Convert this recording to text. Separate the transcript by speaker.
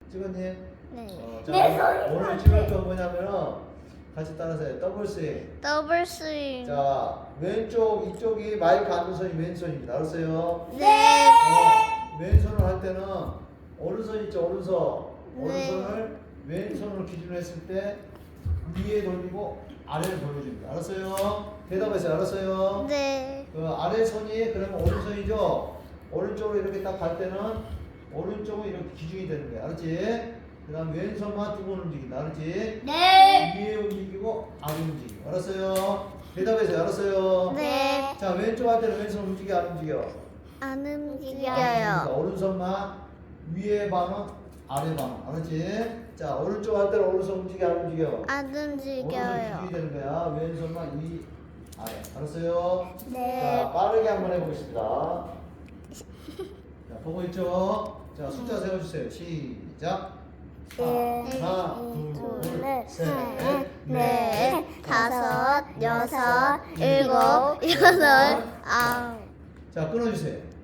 Speaker 1: 찍었니?
Speaker 2: 네.
Speaker 1: 자, 오늘 찍을 건 뭐냐면은 같이 따라서 해. 더블 스윙.
Speaker 2: 더블 스윙.
Speaker 1: 자, 왼쪽 이쪽이 마이크 앉는 손이 왼손입니다. 알았어요?
Speaker 2: 네.
Speaker 1: 왼손을 할 때는 오른손 있죠, 오른손.
Speaker 2: 네.
Speaker 1: 오른손을 왼손으로 기준으로 했을 때 위에 돌리고 아래를 돌려줍니다. 알았어요? 대답하세요. 알았어요?
Speaker 2: 네.
Speaker 1: 그 아래 손이 그러면 오른손이죠. 오른쪽으로 이렇게 딱 갈 때는 오른쪽은 이렇게 기준이 되는 거야. 알았지? 그 다음 왼손만 두 번 움직인다. 알았지?
Speaker 2: 네.
Speaker 1: 위에 움직이고 아래 움직이고. 알았어요? 대답하세요. 알았어요?
Speaker 2: 네.
Speaker 1: 자, 왼쪽 할 때는 왼손 움직여 안 움직여?
Speaker 2: 안
Speaker 1: 안 움직이니까
Speaker 2: 움직여요.
Speaker 1: 오른손만 위에 반응 아래 반응. 알았지? 자, 오른쪽 할 때는 오른손 움직여 안 움직여?
Speaker 2: 안
Speaker 1: 오른손
Speaker 2: 움직여요.
Speaker 1: 기준이 되는 거야. 왼손만 위 아래. 알았어요?
Speaker 2: 네.
Speaker 1: 자, 빠르게 한번 해보겠습니다. 자, 보고 있죠? 자, 숫자 세워주세요. 시작. 하나, 둘, 셋,
Speaker 2: 넷, 다섯, 여섯, 일곱, 여덟, 아홉.
Speaker 1: 자, 끊어주세요.